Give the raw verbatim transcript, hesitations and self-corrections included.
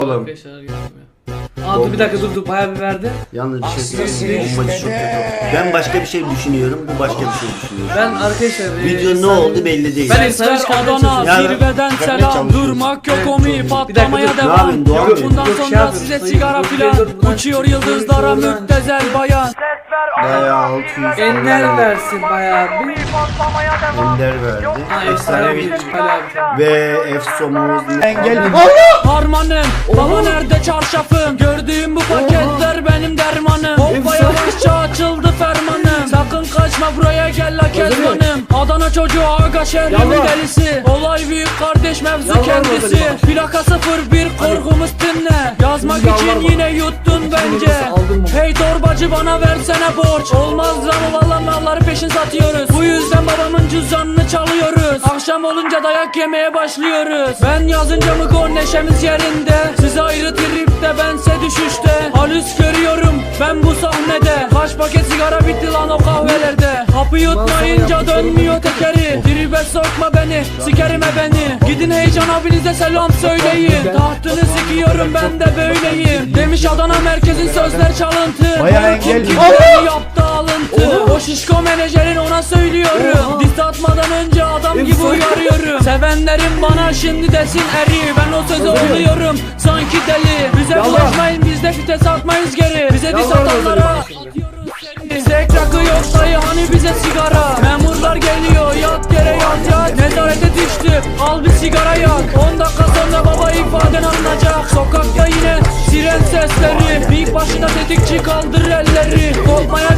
Oğlum. Arkadaşlar geldim ya. Aa dur bir dakika dur dur bayağı bir verdi. Yalnız bir şey söyleyeyim. Bombacı çok kötü. Ben başka bir şey düşünüyorum. Bu başka bir şey düşünüyor. Ben arkadaşlar Video ne oldu belli değil. Ben efsane çıkarmaya Adana çalışıyorum. zirveden selam, durmak yok omi, patlamaya dur. Ne devam. yapayım, Doğan Bey? Bundan Yok, şey sonra yapıyorum. size Hayır, sigara yok, filan, dur, dur. uçuyor yıldızlara Dur, dur, dur. müptezel bayan. Bayağı altı yüz Enler versin bayağı bir. Ender verdi. Ha Efsanevi. efsane abi. Ve Efsomuz engel. Harmanım, baba nerede çarşafım? Gördüğüm bu paketler benim dermanım. Hoppa yavaşça açıldı fermanım. Sakın kaçma buraya gel la kezbanım. Adana çocuğu aga şehrimin Yalvar. delisi. Olay büyük kardeş mevzu Yalvar kendisi. bakalım. Plaka sıfır bir korkumuz dinle. Yazmak Yalvar için bakalım. yine yuttun bence. Aldın mı? Hey torbacı bana versene borç. Olmaz lan valla malları peşin satıyoruz. Bu yüzden babamın cüzdanını çalıyoruz. Akşam olunca dayak yemeye başlıyoruz. Ben yazınca mı gol neşemiz yerinde. Siz ayrı tripte bense düşüşte. Halüs görüyorum ben bu sahnede. Kaç paket sigara bitti lan o kahvelerde. Hapı yutmayınca dönmüyor tekeri. Tribe sokma beni, sikerime beni. Gidin heyecan abinize selam söyleyin. Tahtını sikiyorum ben de böyleyim. Demiş Adana merkezin sözler çalıntı. Bayağı Bana kim engel- kimleri yaptı alıntı. O şişko menajerin ona söylüyorum. Diss atmadan önce adam gibi uyarıyorum. Sevenlerim bana şimdi desin eri. Ben o sözü oluyorum sanki deli. Bize bulaşmayın biz de vites atmayız geri. Bize diss atanlara atıyoruz seni. Sek rakı yok dayı hani bize sigara. Memurlar geliyor yat yere yat yat. Nezarete düştü al bir sigara yak. on dakika sonra baba ifaden alınacak. Sokakta yine siren sesleri. Bir başına tetikçi kaldır elleri. Korkmaya